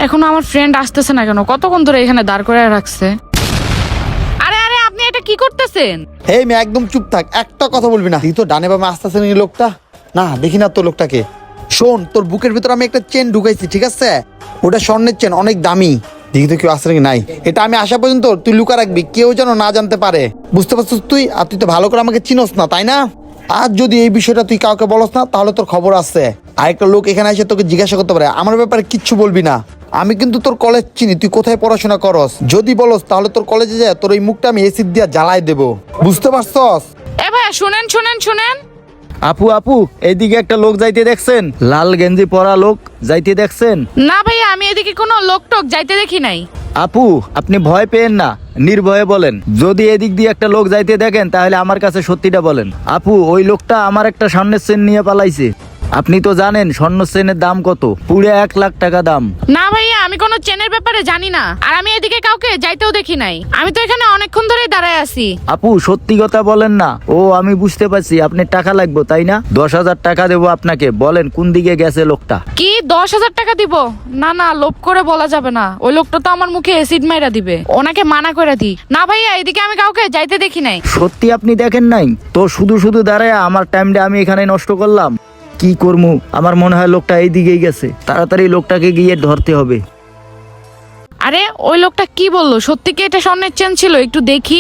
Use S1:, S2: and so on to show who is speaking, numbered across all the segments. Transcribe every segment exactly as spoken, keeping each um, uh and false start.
S1: এখনো আমার ফ্রেন্ড আসতেছে না কেন? কতক্ষণ ধরে এখানে দাঁড় করে রাখছে। আরে আরে আপনি এটা কি করতেছেন?
S2: এই মেয়ে একদম চুপ থাক, একটা কথা বলবি না। তুই তো ডানে বামে আসতেছে না এই লোকটা। না দেখি না তোর লোকটাকে। শোন, তোর বুকের ভিতর আমি একটা চেন ঢুকাইছি, ঠিক আছে? ওটা স্বর্ণের চেন, অনেক দামি। দেখি তো কেউ আসছে নাকি। নাই, এটা আমি আসা পর্যন্ত তুই লুকা রাখবি, কেউ যেন না জানতে পারে। বুঝতে পারছিস তুই? আর তুই তো ভালো করে আমাকে চিনোস না, তাই না? আর যদি এই বিষয়টা তুই কাউকে বলস না তাহলে তোর খবর আছে। আরেকটা লোক এখানে এসে তোকে জিজ্ঞাসা করতে পারে, আমার ব্যাপারে কিচ্ছু বলবি না। আমি কিন্তু তোর কলেজ চিনি, তুই কোথায় পড়াশোনা করস। যদি বলস তাহলে তোর কলেজে যায় তোর এই মুখটা আমি এসিড দিয়া জ্বালাই দেবো। বুঝতে পারছস?
S1: এ ভাইয়া শুনেন শুনেন শুনেন।
S3: আপু আপু এইদিকে একটা লোক যাইতে দেখছেন? লাল গেঞ্জি পরা লোক যাইতে দেখছেন?
S1: না ভাইয়া, আমি এদিকে কোনো লোক টোক যাইতে দেখি নাই।
S3: আপু আপনি ভয় পেয়েন না, নির্ভয়ে বলেন। যদি এদিক দিয়ে একটা লোক যাইতে দেখেন তাহলে আমার কাছে সত্যিটা বলেন। আপু ওই লোকটা আমার একটা স্বর্ণের চেন নিয়ে পালাইছে। আপনি তো জানেন স্বর্ণ চেনের দাম কত, পুরো এক লাখ টাকা দাম।
S1: না ভাইয়া, আমি কোনো চেনের ব্যাপারে জানি না, আর আমি এদিকে কাউকে যাইতেও দেখি নাই। আমি তো এখানে অনেকক্ষণ ধরেই দাঁড়ায় আছি।
S3: আপু সত্যি কথা বলেন না। ও আমি বুঝতে পারছি আপনি টাকা লাগবে তাই না? দশ হাজার টাকা দেবো আপনাকে, বলেন কোন দিকে গেছে লোকটা।
S1: কি দশ হাজার টাকা দিব? না না, লোভ করে বলা যাবে না। ওই লোকটা তো আমার মুখে অ্যাসিড মাইরা দিবে, ওনাকে মানা করে দি। না ভাইয়া, এদিকে আমি কাউকে যাইতে দেখি নাই।
S3: সত্যি আপনি দেখেন নাই তো? শুধু শুধু দাঁড়ায় আমার টাইমটা আমি এখানে নষ্ট করলাম। কি করবো, আমার মনে হয় লোকটা এই দিকেই গেছে। তাড়াতাড়ি লোকটাকে গিয়ে ধরতে হবে।
S1: আরে ওই লোকটা কি বললো? সত্যি কি এটা স্বর্ণের চেন ছিল? একটু দেখি।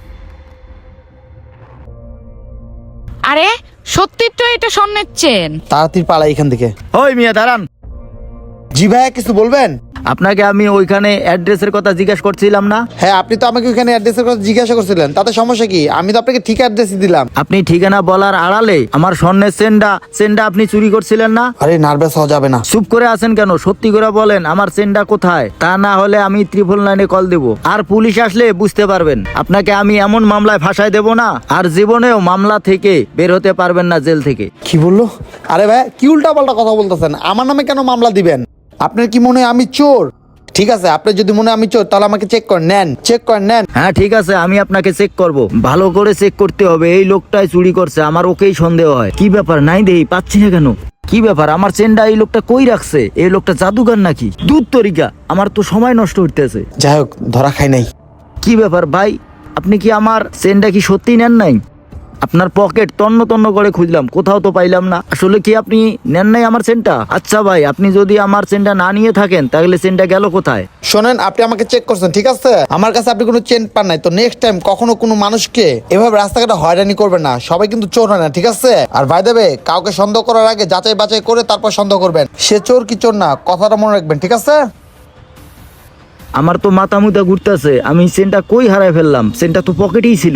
S1: আরে সত্যি তো এটা স্বর্ণের চেন।
S2: তাড়াতাড়ি পালাই এখান থেকে।
S3: ওই মিয়া দাঁড়ান।
S2: জি ভাইয়া, কিছু বলবেন?
S3: আপনাকে আমি ওইখানে অ্যাড্রেসের কথা জিজ্ঞাসা করছিলাম না?
S2: হ্যাঁ, আপনি তো আমাকে ওইখানে অ্যাড্রেসের কথা জিজ্ঞাসা করছিলেন, তাতে সমস্যা কি? আমি তো আপনাকে ঠিক অ্যাড্রেসই দিলাম।
S3: আপনি ঠিকানা বলার আড়ালে আমার স্বর্ণের চেনটা চেনটা আপনি চুরি করছিলেন না?
S2: আরে নার্ভাস হওয়া যাবে না।
S3: চুপ করে আছেন কেন? সত্যি করে বলেন আমার চেনটা কোথায়। তা না হলে আমি ত্রিপল নাইনে কল দেব, আর পুলিশ আসলে বুঝতে পারবেন। আপনাকে আমি এমন মামলায় ফাঁসাই দেব না, আর জীবনেও মামলা থেকে বের হতে পারবেন না জেল থেকে।
S2: কি বললো? আরে ভাই কি উল্টা পাল্টা কথা বলতেছেন? আমার নামে কেন মামলা দিবেন? আপনার কি মনে হয় আমি চোর? ঠিক আছে, আপনি যদি মনে হয় আমি চোর তাহলে আমাকে চেক করে নেন, চেক করে নেন।
S3: হ্যাঁ ঠিক আছে, আমি আপনাকে চেক করব। ভালো করে চেক করতে হবে। এই লোকটাই চুরি করছে, আমার ওকেই সন্দেহ হয়। কি ব্যাপার, নাই দেই পাচ্ছি না কেন? কি ব্যাপার, আমার চেনটা এই লোকটা কই রাখছে? এই লোকটা জাদুগার নাকি? দুধ তরিকা, আমার তো সময় নষ্ট হইতেছে।
S2: যাই হোক, ধরা খাই নাই।
S3: কি ব্যাপার ভাই, আপনি কি আমার চেনটা কি সত্যি নেন নাই? আপনার পকেট তন্ন তন্ন করে খুঁজলাম, কোথাও তো পাইলাম না। আসলে কি আপনি নেন নাই আমার চেনটা? আচ্ছা ভাই, আপনি যদি আমার চেনটা না নিয়ে থাকেন তাহলে চেনটা গেল কোথায়?
S2: শোনেন, আপনি আমাকে চেক করছেন, ঠিক আছে? আমার কাছে আপনি কোনো চেন পান নাই, তো নেক্সট টাইম কখনো কোনো মানুষকে এভাবে রাস্তাঘাটে হয়রানি করবেন না। সবাই কিন্তু চোর হয় না, ঠিক আছে? আর ভাই দেবে, কাউকে সন্দেহ করার আগে যাচাই বাছাই করে তারপর সন্দেহ করবেন। সে চোর কি চোর না, কথাটা মনে রাখবেন, ঠিক আছে?
S3: আমার তো মাথা মুথা ঘুরতেছে, আমি চেনটা কই হারাই ফেললাম? চেনটা তো পকেটেই ছিল।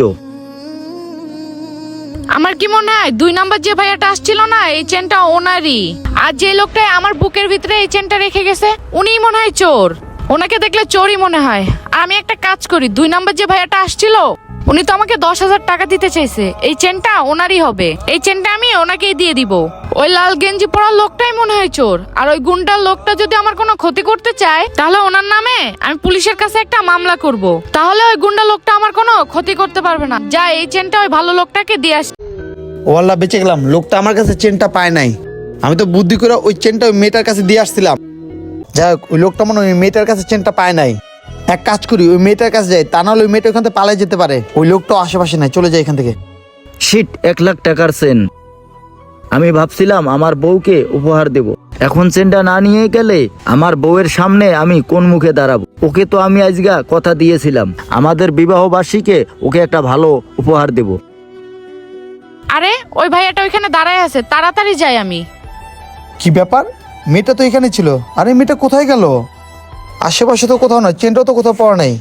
S1: আমার কি মনে হয় দুই নাম্বার যে ভাইয়াটা আসছিল না, এই চেনটা ওনারই। আর যে লোকটা আমার বুকের ভিতরে এই চেনটা রেখে গেছে, উনিই মনে হয় চোর। ওনাকে দেখলে চোরই মনে হয়। আর আমি একটা কাজ করি, দুই নাম্বার যে ভাইয়াটা আসছিল উনি তো আমাকে দশ হাজার টাকা দিতে চাইছে। এই চেনটা ওনারই হবে, এই চেনটা আমি ওনাকেই দিয়ে দিব। ওই লাল গেঞ্জি পরা লোকটাই মনে হয় চোর। আর ওই গুন্ডার লোকটা যদি আমার কোনো ক্ষতি করতে চায় তাহলে ওনার নামে আমি পুলিশের কাছে একটা মামলা করব। তাহলে ওই গুন্ডা লোকটা আমার কোনো ক্ষতি করতে পারবে না। যা, এই চেনটা ওই ভালো লোকটাকে দিয়ে আস।
S2: ও আল্লাহ, বেঁচে গেলাম। লোকটা আমার কাছে চেনটা পায় নাই। আমি তো বুদ্ধি করে ওই চেনটা ওই মেয়েটার কাছে দিয়ে আসছিলাম। যাই হোক, ওই লোকটা মনে হয় ওই মেয়েটার কাছে চেনটা পায় নাই। এক কাজ করি, ওই মেয়েটার কাছে যাই, তা নাহলে ওই মেয়েটা ওখান থেকে পালাই যেতে পারে। ওই লোকটাও আশেপাশে নাই, চলে যায় এখান থেকে।
S3: শিট, এক লাখ টাকার চেন। আমি ভাবছিলাম আমার বউকে উপহার দেব, এখন চেনটা না নিয়ে গেলে আমার বউয়ের সামনে আমি কোন মুখে দাঁড়াবো? ওকে তো আমি আজগা কথা দিয়েছিলাম আমাদের বিবাহ বার্ষিকে ওকে একটা ভালো উপহার দেব।
S1: আরে ওই ভাইয়াটা ওইখানে দাঁড়ায় আছে, তাড়াতাড়ি যাই আমি।
S2: কি ব্যাপার, মেয়েটা তো এখানে ছিল। আরে মেয়েটা কোথায় গেল? আশেপাশে তো কোথাও নয়, চেনটাও তো কোথাও পাওয়া নাই।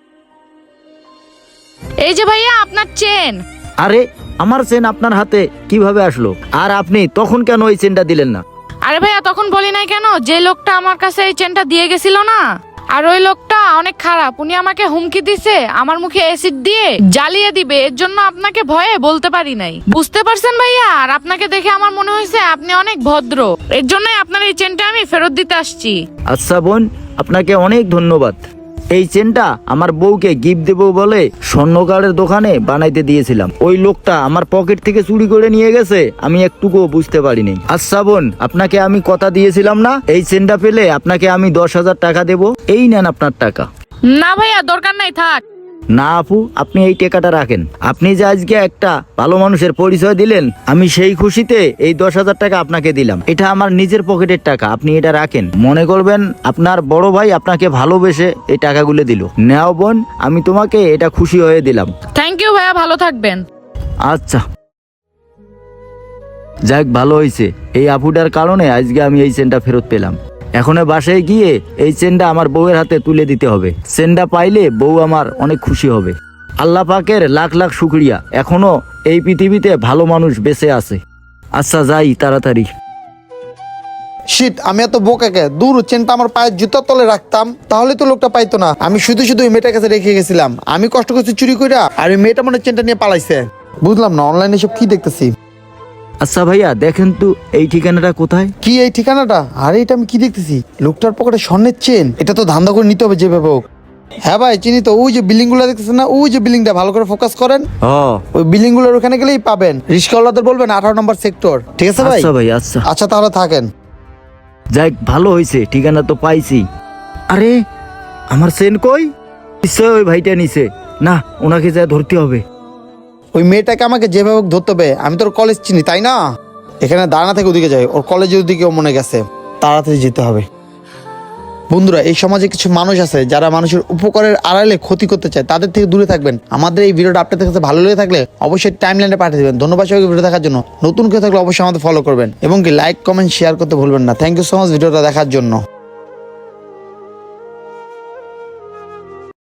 S1: এই যে ভাইয়া আপনার চেন।
S3: আরে আমার চেন আপনার হাতে কিভাবে আসলো? আর আপনি তখন কেন ওই চেনটা দিলেন না?
S1: আরে ভাইয়া তখন বলি নাই কেন? যে লোকটা আমার কাছে এই চেনটা দিয়ে গেছিল না, আর ওই লোকটা অনেক খারাপ। উনি আমাকে হুমকি দিছে আমার মুখে অ্যাসিড দিয়ে জ্বালিয়ে দিবে। এর জন্য আপনাকে ভয়ে বলতে পারি নাই, বুঝতে পারছেন ভাইয়া? আর আপনাকে দেখে আমার মনে হয়েছে আপনি অনেক ভদ্র, এর জন্যই আপনার এই চেনটা আমি ফেরত দিতে আসছি।
S3: আচ্ছা বোন, আপনাকে অনেক ধন্যবাদ। এই চেনটা আমার বউকে গিফট দেবো বলে স্বর্ণকারের দোকানে বানাইতে দিয়েছিলাম। ওই লোকটা আমার পকেট থেকে চুরি করে নিয়ে গেছে, আমি একটুকুও বুঝতে পারিনি। আচ্ছা বোন, আপনাকে আমি কথা দিয়েছিলাম না, এই চেনটা পেলে আপনাকে আমি দশ হাজার টাকা দেবো, এই নেন আপনার টাকা।
S1: না ভাইয়া, দরকার নাই, থাক।
S3: না আপু, আপনি এই টাকাটা রাখেন। আপনি যে আজকে একটা ভালো মানুষের পরিচয় দিলেন, আমি সেই খুশিতে এই দশ হাজার টাকা আপনাকে দিলাম। এটা আমার নিজের পকেটের টাকা, আপনি এটা রাখেন। মনে করবেন আপনার বড় ভাই আপনাকে ভালোবেসে এই টাকাগুলো দিল। নেও বোন, আমি তোমাকে এটা খুশি হয়ে দিলাম।
S1: থ্যাংক ইউ ভাইয়া, ভালো থাকবেন।
S3: আচ্ছা, যাক ভালো হয়েছে, এই আপুটার কারণে আজকে আমি এই চেনটা ফেরত পেলাম। এখন বাসায় গিয়ে এই চেনটা আমার বউয়ের হাতে তুলে দিতে হবে। চেনটা পাইলে বউ আমার অনেক খুশি হবে। আল্লাহ পাকের লাখ লাখ শুকরিয়া, এখনো এই পৃথিবীতে ভালো মানুষ বেঁচে আছে। আচ্ছা যাই তাড়াতাড়ি।
S2: শিট, আমি এত বোকাকে, দূর চেনটা আমার পায়ের জুতার তলে রাখতাম, তাহলে তো লোকটা পাইতো না। আমি শুধু শুধু ওই মেয়েটার কাছে রেখে গেছিলাম। আমি কষ্ট করছি চুরি কইরা, আর ওই মেয়েটা মনে হয় চেনটা নিয়ে পালাইছে। বুঝলাম না অনলাইনে সব কি দেখতেছি।
S3: আচ্ছা ভাইয়া, দেখেন তো এই ঠিকানাটা কোথায়?
S2: কি এই ঠিকানাটা? আরে এটা আমি কি দেখতেছি, লোকটার পকেটে স্বর্ণের চেন। এটা তো ধান্দা করে নিতে হবে যেভাবে হোক। হ্যাঁ ভাই চিনি তো, ওই যে বিল্ডিং গুলো দেখতেছেন না, ওই যে বিল্ডিংটা, ভালো করে ফোকাস করেন।
S3: ও
S2: ওই বিল্ডিং গুলোর ওখানে গেলেই পাবেন। রিস্কাওয়ালাদের বলবেন আঠারো নম্বর সেক্টর, ঠিক আছে ভাই?
S3: আচ্ছা ভাই, আচ্ছা।
S2: আচ্ছা তাহলে থাকেন।
S3: যাক ভালো হয়েছে, ঠিকানা তো পাইছি। আরে আমার চেন কই? নিশ্চয় ওই ভাইটা নিছে। না, ওনাকে যা ধরতে হবে।
S2: ওই মেয়েটাকে আমাকে যেভাবে হোক ধরতে হবে। আমি তোর কলেজ চিনি তাই না? এখানে দাঁড়ানা থেকে ওদিকে যাই, ওর কলেজের ওদিকে ও মনে গেছে, তাড়াতাড়ি যেতে হবে। বন্ধুরা, এই সমাজে কিছু মানুষ আছে যারা মানুষের উপকারের আড়ালে ক্ষতি করতে চায়, তাদের থেকে দূরে থাকবেন। আমাদের এই ভিডিওটা আপনাদের কাছে ভালো লেগে থাকলে অবশ্যই টাইমলাইনে পাঠিয়ে দেবেন। ধন্যবাদ সবাইকে ভিডিও দেখার জন্য। নতুন কেউ থাকলে অবশ্যই আমাদের ফলো করবেন এবং কি লাইক কমেন্ট শেয়ার করতে ভুলবেন না। থ্যাংক ইউ সো মাচ ভিডিওটা দেখার জন্য।